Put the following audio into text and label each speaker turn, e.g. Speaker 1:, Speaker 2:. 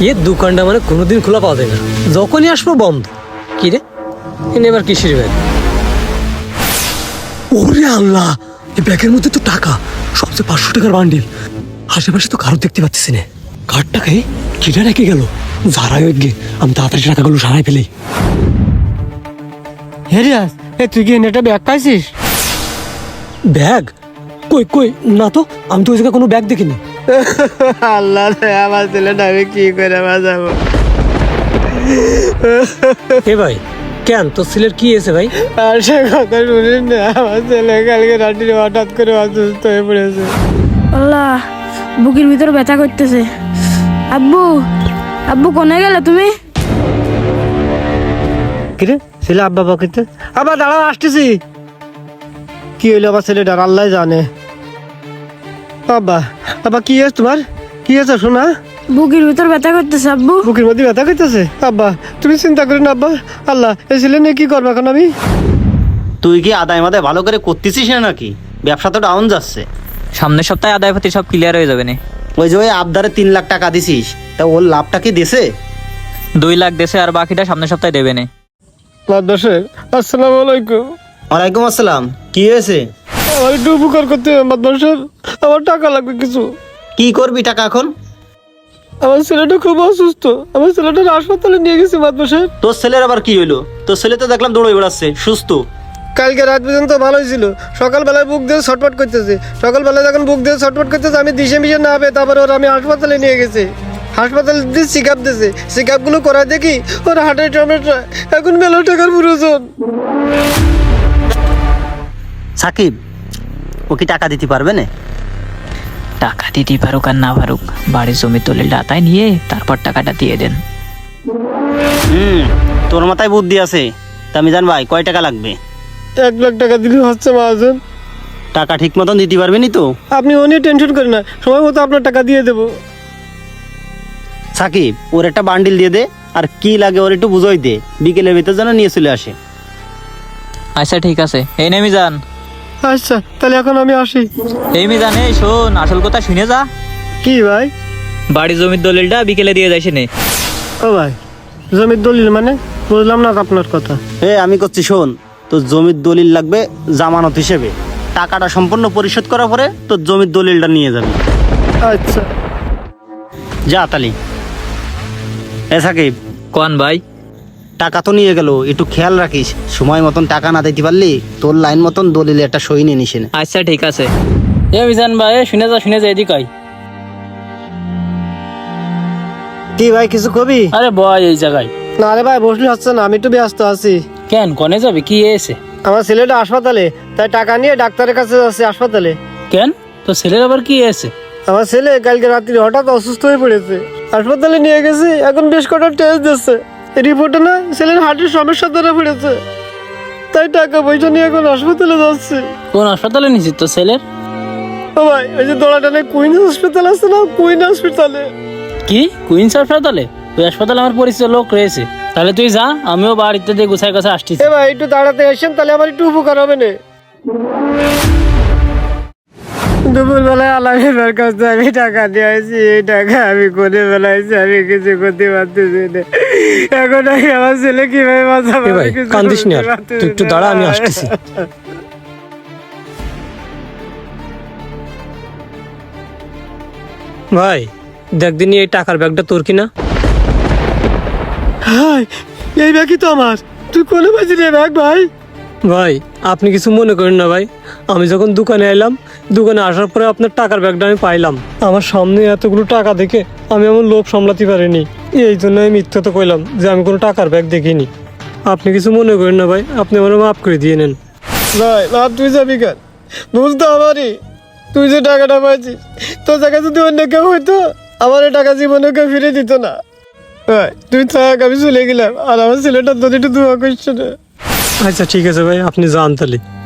Speaker 1: এর দোকানটা মানে কোনোদিন খোলা পাওয়া যায় না, যখনই আসবো বন্ধ। কি রে, এনে এবার কিসের ব্যাগ? ওরে আল্লাহ, এই ব্যাগের মধ্যে তো টাকা, সবচেয়ে 500 টাকার বান্ডিল। আশেপাশে তো কারো দেখতে পাচ্ছি না। কার টাকায় কিটা রেখে গেল? যারাই ওই গে, আমি তাড়াতাড়ি টাকাগুলো সারাই ফেলি।
Speaker 2: হেরিয়াস, তুই কি এটা ব্যাগ পাইছিস?
Speaker 1: ব্যাগ? কই কই, না তো, আমি তো ওই জায়গায় কোনো ব্যাগ দেখিনি।
Speaker 2: আল্লাহ রে, আমার ছেলেটা আমি কি করে বাঁচাবো?
Speaker 1: এ ভাই, কেন তোর ছেলের কি হয়েছে ভাই?
Speaker 2: আর সে কথা শুনিস না, আমার ছেলে কালকে রাত্রি হঠাৎ করে অসুস্থ হয়ে পড়েছে।
Speaker 3: আল্লাহ, বুকের ভিতর ব্যথা করতেছে। আব্বু, আব্বু কোনে গেলে তুমি?
Speaker 2: কিরে ছেলে আব্বা বাকিতে, আবার দাঁড়াও আসতেছি। কি হইলো আমার ছেলেটার আল্লাহ জানে। আব্বা, আব্বা কি আছে তোমার? কি আছে শোনা?
Speaker 3: বুকের ভিতর ব্যথা করতেছে আব্বু।
Speaker 2: বুকের মধ্যে ব্যথা করতেছে? আব্বা তুমি চিন্তা করো না আব্বা, আল্লাহ এই ছেলে নিয়ে কি করবো এখন আমি?
Speaker 4: তুই কি আদায় মাদায় ভালো করে করতেছিস না নাকি? ব্যবসা তো ডাউন যাচ্ছে।
Speaker 5: সামনের সপ্তাহে আদায় পাতি সব ক্লিয়ার হয়ে যাবে না।
Speaker 4: ওই যে ওই আবদারে 3 লাখ টাকা দিছিস, তা ওর লাভটা কি দেছে?
Speaker 5: 2 লাখ দেশে, আর বাকিটা সামনের সপ্তাহে দেবে না।
Speaker 2: মাদ্রাসায় আসসালামু আলাইকুম।
Speaker 4: ওয়ালাইকুম আসসালাম। কি হয়েছে?
Speaker 2: আমার একটু উপকার করতে হবে মাদ্রাসার, আমার টাকা লাগবে কিছু।
Speaker 4: কি করবি টাকা এখন?
Speaker 2: আমার ছেলেটা খুব অসুস্থ, আমার ছেলেটা হাসপাতালে নিয়ে গেছে মাদ্রাসায়।
Speaker 4: তোর ছেলের আবার কি হইলো? তোর ছেলে তো দেখলাম দৌড়ে বেড়াচ্ছে সুস্থ।
Speaker 2: কালকে রাত পর্যন্ত ভালোই ছিল, সকালবেলায় বুক দিয়ে ছটফট করতেছে। সকালবেলায় যখন বুক দিয়ে ছটফট করতেছে, আমি দিশে মিশে না পেয়ে তারপরে ওর আমি হাসপাতালে নিয়ে গেছি। হাসপাতালে দিয়ে চেক আপ দিয়েছে, চেক আপগুলো করা দেখি ওর হার্টের টমেটো, এখন মেলা টাকার প্রয়োজন।
Speaker 4: সাকিব, ও কি টাকা দিতে পারবে না?
Speaker 5: টাকা দিতে পারুক আর না পারুক, বাড়ির জমির দলিলটা আতায় নিয়ে তারপর টাকাটা দিয়ে দেন।
Speaker 4: তোর মাথায় বুদ্ধি আছে। তা মিজান ভাই, কয় টাকা লাগবে?
Speaker 2: 1 লাখ টাকা দিলে হচ্ছে মহাজন।
Speaker 4: টাকা ঠিক মতন দিতে পারবি নি তো?
Speaker 2: আপনি ও নিয়ে টেনশন করেন না, সময় মতো আপনার টাকা দিয়ে দেবো।
Speaker 4: সাকিব, ওর একটা বান্ডিল দিয়ে দে, আর কি লাগে ওর একটু বুঝোই দে, বিকেলের ভিতর যেন নিয়ে চলে আসে।
Speaker 5: আচ্ছা ঠিক আছে, এই নে মিজান।
Speaker 2: আচ্ছা তাহলে এখন আমি আসি।
Speaker 5: এই মিজান, এই শোন, আসল কথা শুনে যা।
Speaker 2: কি ভাই?
Speaker 5: বাড়ির জমির দলিলটা বিকেলে দিয়ে যাইছে নে।
Speaker 2: ও ভাই, জমির দলিল মানে বুঝলাম না আপনার কথা।
Speaker 4: আমি করছি শোন, তোর জমির দলিল লাগবে জামানত হিসেবে। টাকাটা সম্পূর্ণ পরিশোধ করার পরে তোর জমির দলিলটা নিয়ে যাবি।
Speaker 2: আচ্ছা
Speaker 4: যা তালি। সাকিব,
Speaker 5: কোন ভাই?
Speaker 4: টাকা তো নিয়ে গেল, একটু খেয়াল রাখিস, সময় মতন টাকা না দিতে পারলি তোর লাইন মতন দলিলে একটা সই নিয়ে নিস।
Speaker 5: আচ্ছা ঠিক আছে। এ মিজান ভাই, শুনে যা এদিক আয়।
Speaker 2: কি ভাই, কিছু কবি?
Speaker 5: আরে বয় এই জায়গায়।
Speaker 2: না রে ভাই, বসলে হচ্ছে না, আমি একটু ব্যস্ত আছি।
Speaker 5: কেন, কনে যাবে? কি এসে?
Speaker 2: আমার ছেলেটা হাসপাতালে, তাই টাকা নিয়ে ডাক্তারের কাছে যাচ্ছে হাসপাতালে।
Speaker 5: কেন, তো ছেলের আবার কি এসে?
Speaker 2: আমার ছেলে কালকে রাত্রি হঠাৎ অসুস্থ হয়ে পড়েছে, হাসপাতালে নিয়ে গেছে, এখন বেশ কটা টেস্ট দিচ্ছে। রিপোর্টে না ছেলের হার্টের সমস্যা ধরা পড়েছে, তাই টাকা পয়সা নিয়ে এখন হাসপাতালে যাচ্ছে।
Speaker 5: কোন হাসপাতালে নিছিস তো ছেলের?
Speaker 2: ও ভাই, ওই যে দোলাটানে কুইন হসপিটাল আছে না, কুইন হসপিটালে।
Speaker 5: কি কুইন্স হাসপাতালে? ওই হাসপাতালে আমার পরিচিত লোক রয়েছে। তাহলে তুই যা, আমিও বাড়িতে দিয়ে গুছাই গুছাই আসছি।
Speaker 2: এ ভাই একটু দাঁড়াতে আসেন, তাহলে আমার একটু উপকার হবে না। দুপুর বেলায় আলামের কাছ থেকে আমি টাকা নিয়ে আসি, এই টাকা আমি কোনে বেলাইছি, আমি কিছু করতে পারতেছি না। এখন আমি আমার ছেলে কিভাবে বাঁচাবো?
Speaker 1: এ ভাই, কান্দিস না আর, তুই একটু দাঁড়া, আমি আসতেছি। ভাই দেখ দিনই, এই টাকার ব্যাগটা তোর কিনা?
Speaker 2: হাই, এই ব্যাগই তো আমার। তুই কোনে পাইছিস রে ব্যাগ ভাই?
Speaker 1: ভাই আপনি কিছু মনে করেন না ভাই, আমি যখন দোকানে এলাম, দোকানে আসার পরে আপনার টাকার ব্যাগটা আমি পাইলাম। আমার সামনে এতগুলো টাকা দেখে আমি আমার লোভ সামলাতে পারিনি, এই জন্য আমি মিথ্যা তো কইলাম যে আমি কোনো টাকার ব্যাগ দেখিনি। আপনি কিছু মনে করেন না ভাই, আপনি আমার মাফ করে দিয়ে নেন।
Speaker 2: ভাই ভাব, তুই যাবি কেন? ভুল তো আমারই। তুই যে টাকাটা পাইছিস, তোর জায়গায় যদি অন্য কেউ হইতো, আমার এই টাকা জীবনে কেউ ফিরে দিত না। ভাই তুই থাক, আমি চলে গেলাম, আর আমার ছেলেটার যদি একটু দোয়া করছে না।
Speaker 1: আচ্ছা ঠিক আছে ভাই, আপনি যান তাহলে।